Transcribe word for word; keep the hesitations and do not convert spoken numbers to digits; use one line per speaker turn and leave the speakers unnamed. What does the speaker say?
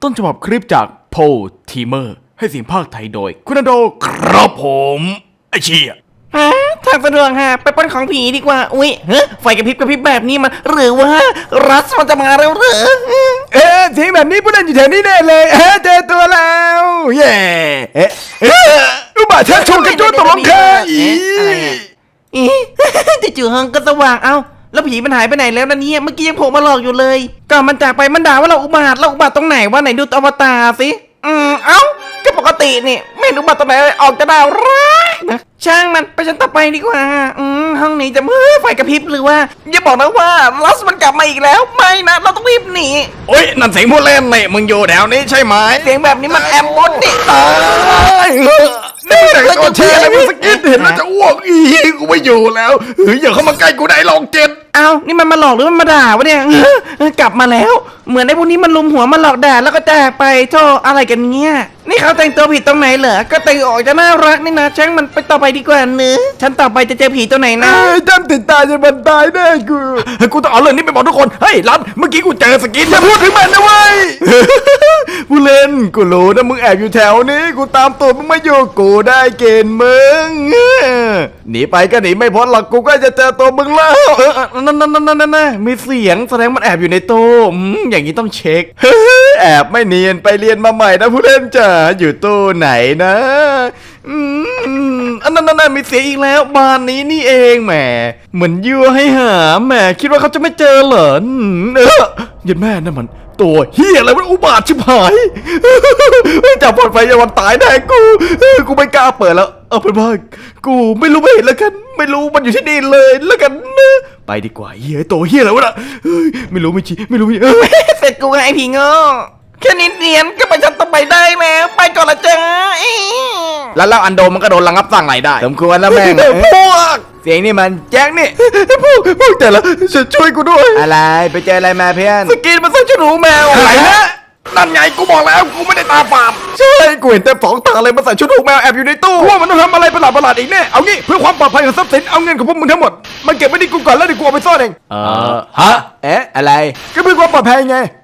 ต้นฉบับคลิปจากโพทีเมอร์ให้เสียงภาคไทยโดยคุณโดครับผมไอเชี่ย
ฮะทางสะดวกฮะไปปล้นของผีดีกว่าอุ้ยเฮ้ยไฟกระพริบกระพริบแบบนี้มันหรือว่ารัสมันจะมาแล้วหรือ
เอ๊ะเสียงแบบนี้ผู้เล่นอยู่แถวนี้แน่เลยเอ๊ะเจอตัวแล้วเย่เอ๊ะเอ๊ะอุบาทชักชวนกันจุดตกลงแค่อี
อีจู่ๆห้องก็สว่างเอ้าแล้วผีมันหายไปไหนแล้วนะเนี่ยเมื่อกี้ยังโผล่มาหลอกอยู่เลยก่อนมันจากไปมันด่าว่าเราอุบาทเราอุบาทตรงไหนว่าไหนดูอวตารสิอืมเอ้าก็ปกตินี่ไม่อุบาทตรงไหนออกจะด่าร้ายนะช่างมันไปชั้นต่อไปดีกว่าอืมห้องนี้จะมือไฟกระพริบหรือว่าอย่าบอกนะว่าลัสมันกลับมาอีกแล้วไม่นะเราต้องรีบหนี
โอ้ยนั่นเสียงผู้เล่นนี่มึงอยู่แถวนี้ใช่ไหม
เสียงแบบนี้มันแอมบดนี่
ตายนี่แต่ก็เชียร์อะไรมึงสกิดเห็นแล้วจะอ้วกอีกูไม่อยู่แล้วเฮ้ยอย่าเข้ามาใกล้กูได้ลองเจ็ด
เอ้านี่มันมาหลอกหรือมันมาด่าวะเนี่ยกลับมาแล้วเหมือนไอ้พวกนี้มันลุมหัวมาหลอกด่าแล้วก็แจกไปโธ่อะไรกันเนี่ยนี่เขาแต่งตัวผิดตรงไหนเหรอก็แต่งออกจะน่ารักนี่นะช่างมันไปต่อไปดีกว่าเนื้อฉันต่อไปจะเจอผีตัวไหนนะ
จำติดตาจะบันตายแน่กูกูต้องเอาเรื่องนี้ไปบอกทุกคนเฮ้ยรันเมื่อกี้กูเจอสกินอย่าพูดถึงมันนะเว้ยผู้เล่นกูรู้นะมึงแอบอยู่แถวนี้กูตามตัวมึงมาอยู่กูได้เกณฑ์มึงหนีไปก็หนีไม่พ้นหรอกกูก็จะเจอตัวมึงแล้วนั่นนั่นนั่นนั่นนั่นมีเสียงแสดงมันแอบอยู่ในตู้อย่างนี้ต้องเช็คแอบไม่เนียนไปเรียนมาใหม่นะผู้เล่นจ๋าอยู่ตู้ไหนนะอืมอันนั้นนั่นมีเสียงอีกแล้วบ้านนี้นี่เองแหมเหมือนยั่วให้หาแหมคิดว่าเขาจะไม่เจอเหรอเออยันแม่นั่นมันตัวเฮียอะไรมันอุบาทชิบหายจับปลอดไฟอย่าวันตายแน่กูกูไม่กล้าเปิดแล้วเอาเป็นว่ากูไม่รู้ไม่เห็นแล้วกันไม่รู้มันอยู่ที่นี่เลยแล้วกันนะไปดีกว่าเฮียตัวเฮียอะไรวะน่ะไม่รู้ไม่ชี้ไม่รู้ไม่
เสร็จกูไงไอ้ผีโง่แค่นิดเดียวก็ไปชั้นต่อไปได้แล้วไปก่อนละจ้า
แล้วแล้วอันโดมันก็โดนระงับสั่งไหลได้สมควรแล้วแม่งพวกเสียงนี่มันแจ็คนี่พวกพวกแต่ละช่วยกูด้วยอะไรไปเจออะไรมาเพื่อน
สกินมันใส่ชุดหนูแมว
อะไรนะนั่นไงกูบอกแล้วกูไม่ได้ตาฝาดใช่กูเห็นเต็มสองตาเลยมันใส่ชุดหนูแมวแอบอยู่ในตู้ว่ามันต้องทำอะไรประหลาดประหลาดอีกแน่เอางี้เพื่อความปลอดภัยของทรัพย์สินเอาเงินของพวกมึงทั้งหมดมาเก็บไว้ที่กูก่อนแล้วเดี๋ยวกูเอาไปซ่อนเองเออฮะเอ๊ะอะไรก็เพื่อความปลอดภัยไง